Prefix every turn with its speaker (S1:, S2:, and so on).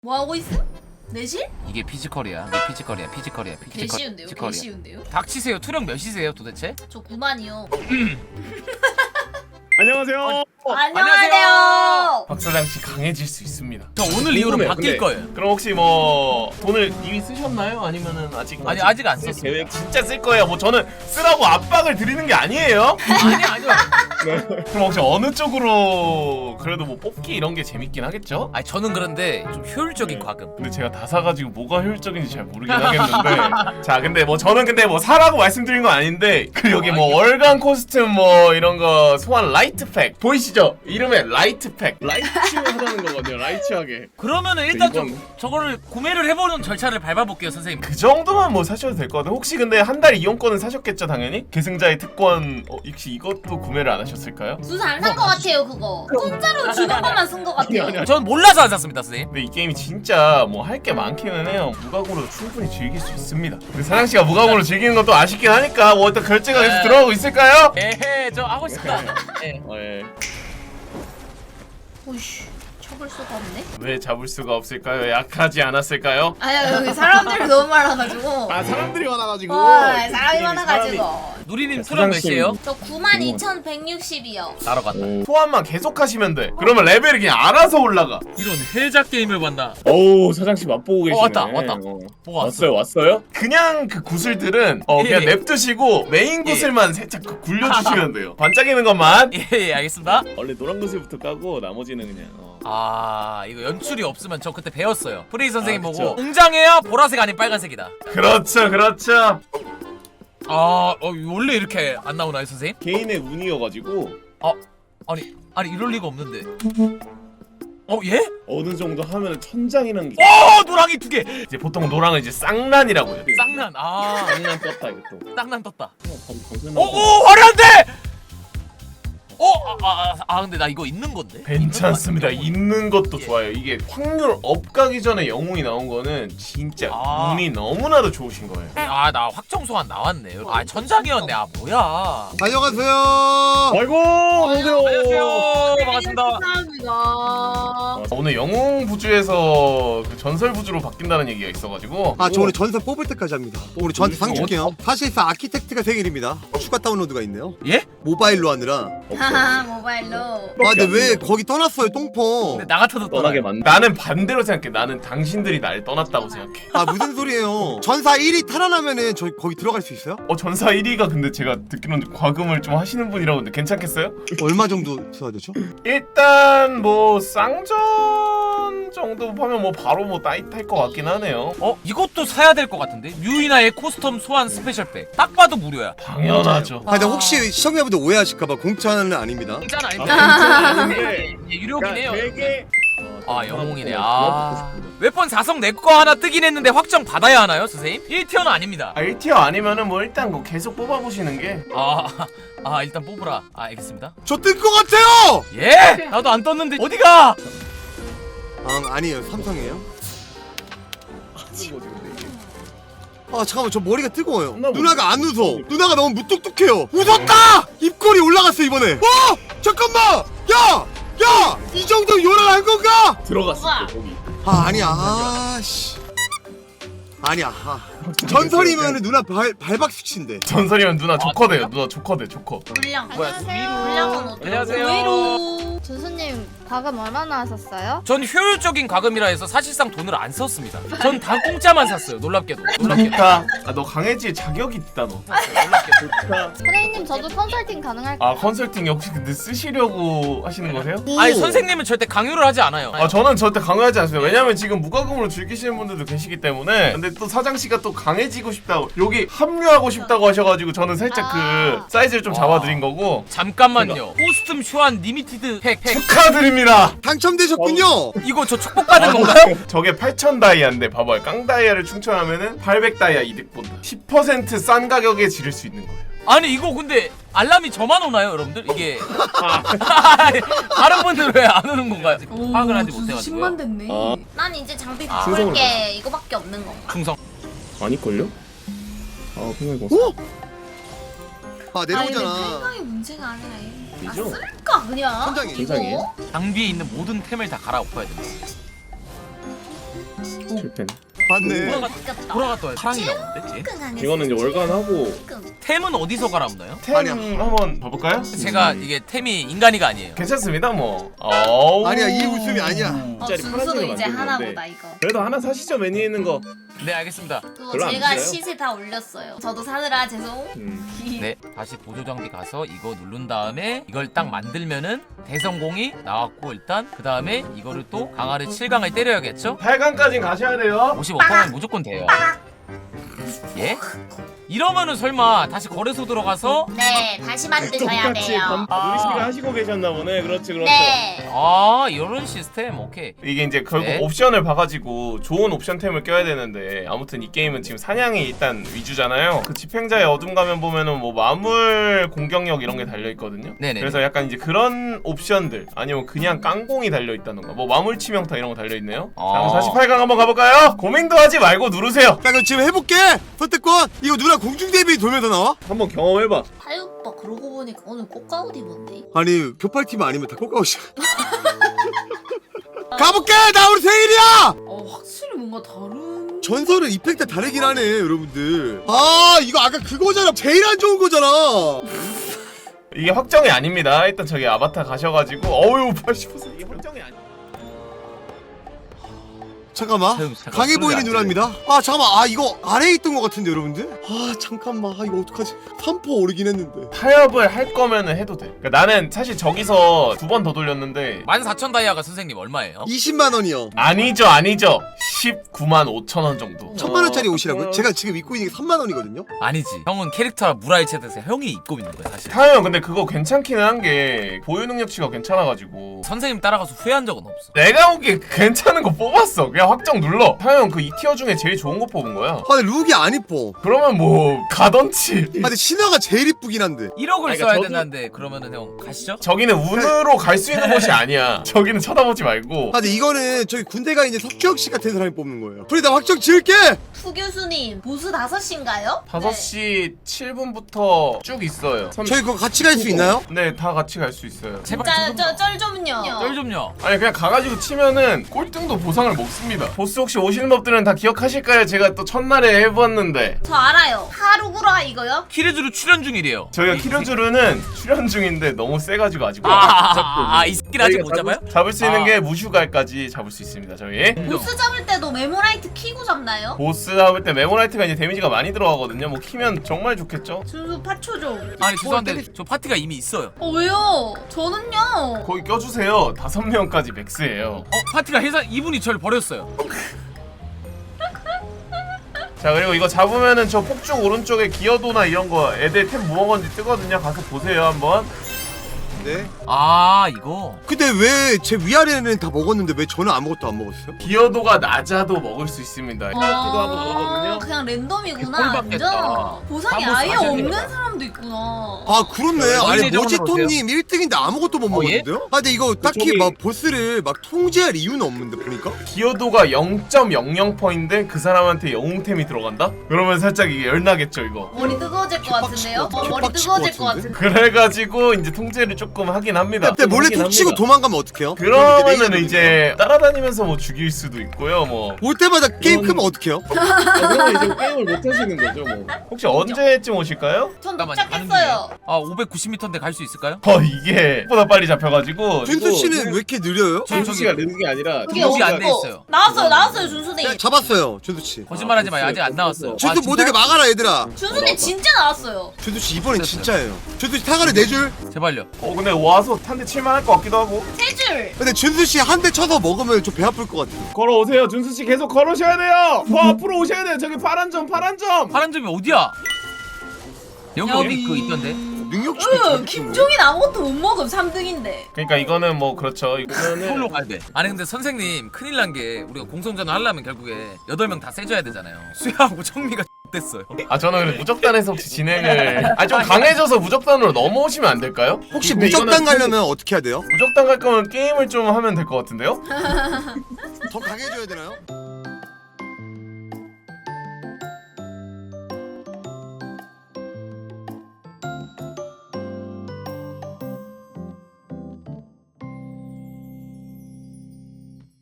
S1: 뭐 하고 있음? 내실?
S2: 이게 피지컬이야. 이게 피지컬이야. 피지컬이야.
S1: 개 쉬운데요? 개 쉬운데요?
S2: 닥치세요. 투력 몇이세요 도대체?
S1: 저 9만이요.
S3: 안녕하세요.
S1: 안녕하세요.
S3: 박사장씨 강해질 수 있습니다.
S2: 저 오늘 이후로 바뀔 거예요.
S3: 그럼 혹시 뭐 돈을 이미 쓰셨나요? 아니면은 아직?
S2: 아니 아직 안 썼어요.
S3: 계획 진짜 쓸 거예요. 뭐 저는 쓰라고 압박을 드리는 게 아니에요.
S2: 아니요.
S3: 그럼 혹시 어느 쪽으로 그래도 뭐 뽑기 이런 게 재밌긴 하겠죠?
S2: 아니 저는 그런데 좀 효율적인
S3: 네.
S2: 과금.
S3: 근데 제가 다 사가지고 뭐가 효율적인지 잘 모르긴 하겠는데 자 근데 뭐 저는 근데 뭐 사라고 말씀드린 건 아닌데 그 여기 뭐 월간 코스튬 뭐 이런 거 소환 라이트팩 보이시죠? 이름에 라이트팩 라이트하다는 거거든요. 라이트하게
S2: 그러면은 일단
S3: 이건-
S2: 좀 저거를 구매를 해보는 절차를 밟아볼게요 선생님.
S3: 그 정도만 뭐 사셔도 될 것 같아요. 혹시 근데 한 달 이용권은 사셨겠죠 당연히? 계승자의 특권 혹시 이것도 구매를 안 하셨을까요?
S1: 수사 안 산 거 같아요 그거. 공짜로 주는 것만 쓴 거 같아요.
S2: 전 몰라서 안 샀습니다 선생님.
S3: 근데 이 게임이 진짜 뭐 할 게 많기는 해요. 무과금으로 충분히 즐길 수 있습니다. 근데 사장씨가 무과금으로 즐기는 것도 아쉽긴 하니까 뭐 일단 결제가 계속 들어가고 있을까요?
S2: 에헤 저 하고 있습니다. 예.
S3: 예.
S1: 오이씨 쳐볼 수가 없네.
S3: 왜 잡을 수가 없을까요? 약하지 않았을까요?
S1: 아야 여기 사람들이 너무 많아가지고.
S3: 아 사람들이 많아가지고
S1: 사람이 많아가지고.
S2: 누리님 투력 몇이에요?
S1: 저 92,160이요.
S2: 나러 갔다.
S3: 소환만 계속 하시면 돼. 그러면 레벨이 그냥 알아서 올라가.
S2: 이런 헬작 게임을 봤나?
S4: 어우 사장씨 맛보고 계시네.
S2: 왔다. 뭐가 왔어?
S4: 왔어요?
S3: 그냥 그 구슬들은 그냥
S2: 예.
S3: 냅두시고 메인
S2: 예.
S3: 구슬만 살짝 굴려주시면 돼요. 반짝이는 것만.
S2: 예 알겠습니다.
S4: 원래 노란 구슬부터 까고 나머지는 그냥
S2: 아 이거 연출이 없으면 저 그때 배웠어요. 프레이 선생님
S4: 아,
S2: 보고
S4: 그쵸.
S2: 웅장해야 보라색 아닌 빨간색이다.
S3: 그렇죠.
S2: 원래 이렇게 안 나오나요 선생님?
S4: 개인의 운이어가지고
S2: 아니 이럴 리가 없는데. 예?
S4: 어느 정도 하면 천장이라는 게
S2: 노랑이 두 개.
S3: 이제 보통 노랑은 이제 쌍란이라고 해요.
S2: 쌍난.
S4: 장난 떴다 이것도.
S2: 쌍난 떴다.
S4: 오!
S2: 화려한데. 근데 나 이거 있는 건데.
S3: 괜찮습니다. 있는 것도
S2: 예.
S3: 좋아요. 이게 확률 업 가기 전에 영웅이 나온 거는 진짜
S2: 아.
S3: 운이 너무나도 좋으신 거예요.
S2: 나 확정 소환 나왔네. 천장이었네. 뭐야?
S5: 안녕하세요.
S4: 아이고
S2: 안녕하세요. 반갑습니다.
S1: 감사합니다.
S3: 오늘 영웅 부주에서 그 전설 부주로 바뀐다는 얘기가 있어가지고
S5: 아, 저 오늘 전설 뽑을 때까지 합니다. 오늘 저한테 상 줄게요. 사실상 아키텍트가 생일입니다. 추가 다운로드가 있네요.
S2: 예?
S5: 모바일로 하느라.
S1: 하하 모바일로.
S5: 아, 근데 왜 거기 떠났어요, 똥포?
S2: 근데 나 같아도
S4: 떠나게 만.
S3: 나는 반대로 생각해. 나는 당신들이 날 떠났다고 생각해.
S5: 아, 무슨 소리예요? 전사 1위 탈환하면은 저 거기 들어갈 수 있어요?
S3: 전사 1위가 근데 제가 듣기로는 과금을 좀 하시는 분이라고 하는데 괜찮겠어요?
S5: 얼마 정도 써야 되죠?
S3: 일단 뭐 쌍전 정도 하면 뭐 바로 뭐 따뜻할 것 같긴 하네요.
S2: 이것도 사야 될 것 같은데. 뮤이나의 코스텀 소환 스페셜백. 딱 봐도 무료야.
S3: 당연하죠.
S5: 아, 근데 혹시 시청자분들 오해하실까봐 공짜는 아닙니다.
S2: 공짜는
S4: 아닌데.
S2: 아닙니다. 유료긴 해요.
S4: 되게
S2: 영웅이네. 웨폰 4성 내 거 하나 뜨긴 했는데 확정 받아야 하나요, 선생님? 1티어는 아닙니다.
S3: 1티어 아니면은 뭐 일단 뭐 계속 뽑아보시는 게
S2: 일단 뽑으라. 알겠습니다.
S5: 저 뜰 것 같아요!
S2: 예? 나도 안 떴는데 어디가?
S5: 아니에요. 삼성이에요. 아, 잠깐만. 저 머리가 뜨거워요. 누나가 안 웃어. 누나가 너무 무뚝뚝해요. 웃었다! 입꼬리 올라갔어, 이번에. 잠깐만! 야! 이 정도 요란한 건가?
S4: 들어갔을
S1: 우와.
S4: 때 거기.
S5: 아니야. 씨. 아니야. 전설이면 누나 발박 수치인데.
S3: 전설이면 누나 조커돼요. 누나 조커돼 조커.
S1: 물량.
S6: 안녕하세요.
S1: 물량은 어때요?
S2: 안녕하세요.
S1: 의외로.
S6: 준수님 과금 얼마나 하셨어요?
S2: 전 효율적인 과금이라 해서 사실상 돈을 안 썼습니다. 전 다 공짜만 샀어요. 놀랍게도.
S3: 그러니까 너 강해질 자격이 있다 너.
S2: 놀랍게도.
S6: 선생님 저도 컨설팅 가능할까요?
S3: 컨설팅 혹시 근데 쓰시려고 하시는 거세요?
S2: 아니 선생님은 절대 강요를 하지 않아요.
S3: 저는 절대 강요하지 않습니다. 왜냐면 지금 무과금으로 즐기시는 분들도 계시기 때문에. 근데 또 사장씨가 또 강해지고 싶다고 여기 합류하고 싶다고 하셔가지고 저는 살짝 그 사이즈를 좀 잡아드린 거고.
S2: 잠깐만요. 코스튬 쇼한 리미티드 팩.
S3: 축하드립니다.
S5: 당첨되셨군요.
S2: 이거 저 축복받은 건가요?
S3: 저게 8,000 다이아인데 봐봐요. 깡 다이아를 충전하면은 800 다이아 이득 본다. 10%싼 가격에 지를 수 있는 거예요.
S2: 아니 이거 근데 알람이 저만 오나요 여러분들? 이게 다른 분들 왜 안 오는 건가요? 파악을 하지 못해가지고
S1: 10만 됐네.
S4: 아.
S1: 난 이제 장비
S4: 충성을
S1: 바꿀 게 이거밖에 없는 건가?
S2: 충성.
S4: 아닐걸요? 생각해봤어.
S5: 오! 아,
S1: 아니 근데
S5: 내려오잖아.
S1: 생각이 문제가 아니라
S4: 되죠?
S1: 쓸까 그냥?
S5: 천장이.
S1: 이거?
S4: 천장이에요?
S2: 장비에 있는 모든 템을 다 갈아엎어야 됩니다.
S4: 실패.
S5: 맞네.
S1: 바뀌었다.
S2: 돌아갔다 사랑이 나오는데? 쟤?
S4: 이거는 이제 월간하고
S2: 템은 어디서 갈아엎나요?
S3: 템 한번 봐볼까요?
S2: 제가 이게 템이 인간이가 아니에요.
S3: 괜찮습니다 뭐. 어우.
S5: 아니야, 이 웃음이 아니야.
S1: 준수도
S4: 파란색을
S1: 이제
S4: 만들었는데.
S1: 하나보다 이거.
S4: 그래도 하나 사시죠, 매니에 있는 거.
S2: 네 알겠습니다.
S1: 그거
S4: 별로 안
S1: 제가
S4: 비싸요.
S1: 시세 다 올렸어요. 저도 사느라 죄송.
S2: 네 다시 보조 장비 가서 이거 누른 다음에 이걸 딱 만들면은 대성공이 나왔고 일단 그 다음에 이거를 또 강화를 7강을 때려야겠죠?
S3: 8강까지 가셔야 돼요.
S2: 55%는 무조건 돼요. 예? 이러면은 설마 다시 거래소 들어가서
S1: 네, 다시 만드셔야 돼요.
S4: 누리씨가 하시고 계셨나 보네. 그렇지, 그렇죠.
S1: 네.
S2: 아 이런 시스템 오케이.
S3: 이게 이제 결국
S2: 네.
S3: 옵션을 봐가지고 좋은 옵션템을 껴야 되는데 아무튼 이 게임은 지금 사냥이 일단 위주잖아요. 그 집행자의 어둠 가면 보면은 뭐 마물 공격력 이런 게 달려 있거든요.
S2: 네네.
S3: 그래서 약간 이제 그런 옵션들 아니면 그냥 깡공이 달려 있다던가 뭐 마물 치명타 이런 거 달려 있네요. 자, 그럼 48강 한번 가볼까요? 고민도 하지 말고 누르세요.
S5: 야, 그럼 지금 해볼게. 선택권. 이거 누나 공중 대비 돌면서 나와?
S4: 한번 경험해봐.
S1: 타이 오빠 그러고 보니까 오늘 꽃가옷 입었네.
S5: 아니, 교팔팀 아니면 다 꽃가옷이야. 가볼게. 나 우리 생일이야.
S1: 확실히 뭔가 다른.
S5: 전설은 이펙트 다르긴 하네, 여러분들. 아, 이거 아까 그거잖아. 제일 안 좋은 거잖아.
S3: 이게 확정이 아닙니다. 일단 저기 아바타 가셔가지고 어유 80% 이게 확정이 아니.
S5: 잠깐만.
S2: 잠깐,
S5: 강해 보이는
S2: 안
S5: 누나입니다. 아, 잠깐만. 아, 이거 아래에 있던 것 같은데, 여러분들? 아, 잠깐만. 아, 이거 어떡하지? 3포 오르긴 했는데.
S3: 타협을 할 거면은 해도 돼. 그러니까 나는 사실 저기서 2번 더 돌렸는데
S2: 14,000 다이아가 선생님 얼마예요?
S5: 20만 원이요.
S3: 아니죠. 19만 5천 원 정도.
S5: 1000만 원짜리 옷이라고요? 제가 지금 입고 있는 게 3만 원이거든요.
S2: 아니지. 형은 캐릭터 무라이체드에서 형이 입고 있는 거야 사실.
S3: 타협 근데 그거 괜찮기는 한 게 보유 능력치가 괜찮아가지고
S2: 선생님 따라가서 후회한 적은 없어.
S3: 내가 보기에 괜찮은 거 뽑았어. 그냥 확정 눌러. 타협 그 2티어 중에 제일 좋은 거 뽑은 거야.
S5: 아, 근데 룩이 안 이뻐.
S3: 그러면 뭐 가던치.
S5: 아, 근데 신화가 제일 이쁘긴 한데.
S2: 1억을
S4: 그러니까
S2: 써야
S4: 저도-
S2: 된다는데 그러면은 형 가시죠?
S3: 저기는 운으로 갈 수 있는 곳이 아니야. 저기는 쳐다보지 말고.
S5: 아, 근데 이거는 저기 군대가 이제 석규혁 씨 같은 사람이 뽑는 거예요. 그래, 나 확정 지을게.
S1: 후 교수님 보스 5시인가요?
S3: 5시 7분부터 쭉 있어요.
S5: 저희 그거 같이 갈 수 있나요?
S3: 네, 다 같이 갈 수 있어요.
S2: 제발
S1: 쩔 좀요.
S2: 쩔 좀요.
S3: 아니 그냥 가가지고 치면은 꼴등도 보상을 먹습니다. 보스 혹시 오시는 법들은 다 기억하실까요? 제가 또 첫날에 해봤는데
S1: 저 알아요. 하루구라 이거요?
S2: 키르즈루 출연 중이래요.
S3: 저희가 키르주르는 출연 중인데 너무 세가지고 아직
S2: 이 새끼를 아직 못 잡아요?
S3: 잡을 수 있는 게 무슈갈까지 잡을 수 있습니다. 저희
S1: 보스 잡을 때도 메모라이트 키고 잡나요?
S3: 보스 잡을 때 메모라이트가 이제 데미지가 많이 들어가거든요. 뭐 키면 정말 좋겠죠.
S1: 준수 파초 좀.
S2: 아니 죄송한데 저 파티가 이미 있어요.
S1: 왜요? 저는요.
S3: 거기 껴주세요. 5명까지 맥스예요.
S2: 파티가 해서 이분이 저를 버렸어요.
S3: 자 그리고 이거 잡으면은 저 폭죽 오른쪽에 기어도나 이런 거 애들 템 뭐 먹었는지 뜨거든요. 가서 보세요 한번.
S5: 네.
S2: 이거
S5: 근데 왜 제 위아래는 다 먹었는데 왜 저는 아무것도 안 먹었어요?
S3: 기어도가 낮아도 먹을 수 있습니다.
S1: 아,
S3: 하고 나오거든요.
S1: 그냥 랜덤이구나.
S2: 개꿀받겠다.
S1: 완전. 보상이
S2: 다
S1: 아예
S2: 보스
S1: 없는
S2: 아십니까?
S1: 사람도 있구나.
S5: 아, 그렇네. 아니,
S2: 어린이 정원으로
S5: 모지토님 1등인데 아무것도 못
S2: 예?
S5: 먹었는데요? 아, 근데 이거 딱히
S4: 저기-
S5: 막 보스를 막 통제할 이유는 없는데 보니까?
S3: 기어도가 0.00%인데 그 사람한테 영웅템이 들어간다? 그러면 살짝 이게 열나겠죠 이거.
S1: 머리 뜨거워질 것 같은데요? 머리
S5: 개빡칠
S1: 뜨거워질
S5: 것
S1: 것 같은데.
S3: 그래가지고 이제 통제를 조금 하긴 합니다.
S5: 근데 몰래
S3: 하긴
S5: 툭 치고
S3: 합니다.
S5: 도망가면 어떡해요?
S3: 그러면은 이제 따라다니면서 뭐 죽일 수도 있고요. 뭐
S5: 올 때마다 게임 크면 어떡해요?
S4: 그러면 이제 게임을 못 하시는 거죠, 뭐.
S3: 혹시 언제쯤 오실까요?
S1: 전
S2: 잠깐만요, 가는
S1: 도착했어요.
S2: 590m인데 갈 수 있을까요?
S3: 이게 보다 빨리 잡혀가지고
S5: 준수 씨는 왜 이렇게 느려요?
S4: 준수 씨가 느는 게 아니라
S1: 그게
S2: 등록이 안
S1: 없고.
S2: 돼 있어요.
S1: 나왔어요 준수님.
S5: 네, 잡았어요, 준수 씨.
S2: 거짓말하지 마요. 아직 안 나왔어요.
S5: 준수 못하게 막아라, 얘들아.
S1: 준수님 진짜 나왔어요.
S5: 준수 씨 이번엔 진짜예요. 준수 씨 타가를 4줄.
S2: 제발요.
S3: 근데 와서 한 대 칠만 할 것 같기도 하고.
S1: 3줄.
S5: 근데 준수 씨 한 대 쳐서 먹으면 좀 배 아플 것 같아요.
S4: 걸어오세요. 준수 씨 계속 걸으셔야 돼요. 더 앞으로 오셔야 돼요. 저기 파란 점.
S2: 파란 점이 어디야? 여기 어디 그 있던데?
S5: 능력치.
S1: 김종인 아무것도 못 먹음 3등인데.
S3: 그러니까 이거는 뭐 그렇죠.
S2: 서울로 가야 돼. 아니 근데 선생님 큰일 난 게 우리가 공성전을 하려면 결국에 8명 다 세줘야 되잖아요. 수야하고 청미가 됐어요.
S3: 아 저는 그래 무적단에서 혹시 진행을 좀 강해져서 무적단으로 넘어오시면 안 될까요?
S5: 혹시
S3: 근데
S5: 무적단
S3: 이거는
S5: 가려면 어떻게 해야 돼요?
S3: 무적단 갈 거면 게임을 좀 하면 될 것 같은데요?
S5: 더 강해져야 되나요?